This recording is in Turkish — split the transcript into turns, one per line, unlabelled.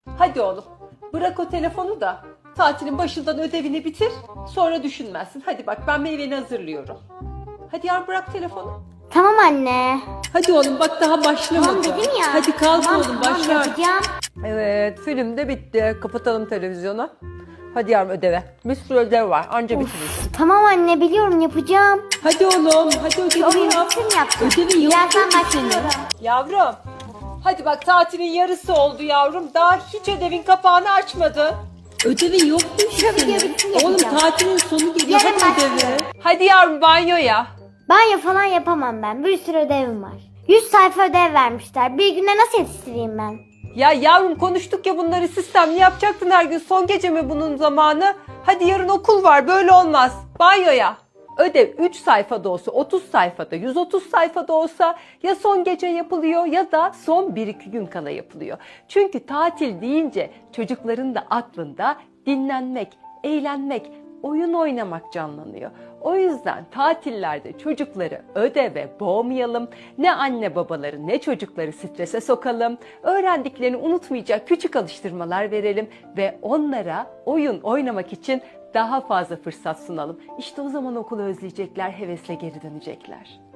Hadi oğlum, bırak o telefonu da tatilin başından ödevini bitir, sonra düşünmezsin. Hadi bak, ben meyveni hazırlıyorum. Hadi yavrum, bırak telefonu.
Tamam anne.
Hadi oğlum, bak daha başlamadı.
Tamam dedim ya.
Hadi kalk
Tamam,
oğlum,
tamam,
başla.
yapacağım.
Evet, film de bitti. Kapatalım televizyonu. Hadi yavrum, ödeve. Bir sürü ödev var, anca bitirirsin.
Tamam anne, biliyorum, yapacağım.
Hadi oğlum, hadi ödevini
Oyun
yap.
bitsin yapacağım.
Ödevin yok
Birazdan
mu
başlıyorum.
senin? Yavrum, hadi bak, tatilin yarısı oldu yavrum. Daha hiç ödevin kapağını açmadı. Ödevin yok mu
Şu video bitsin
Oğlum,
yapacağım.
tatilin sonu geliyor.
Yarın
Hadi ödevi.
başlıyorum.
Hadi yavrum, banyoya.
Banyo falan yapamam ben. Bir sürü ödevim var. 100 sayfa ödev vermişler. Bir günde nasıl yetiştireyim ben?
Ya yavrum, konuştuk ya bunları, sistemli yapacaktın her gün. Son gece mi bunun zamanı? Hadi yarın okul var, böyle olmaz. Banyoya. Ödev 3 sayfada olsa, 30 sayfada, 130 sayfada olsa ya son gece yapılıyor ya da son 1-2 gün kala yapılıyor. Çünkü tatil deyince çocukların da aklında dinlenmek, eğlenmek, oyun oynamak canlanıyor. O yüzden tatillerde çocukları ödeve boğmayalım. Ne anne babaları ne çocukları strese sokalım. Öğrendiklerini unutmayacak küçük alıştırmalar verelim ve onlara oyun oynamak için daha fazla fırsat sunalım. İşte o zaman okulu özleyecekler, hevesle geri dönecekler.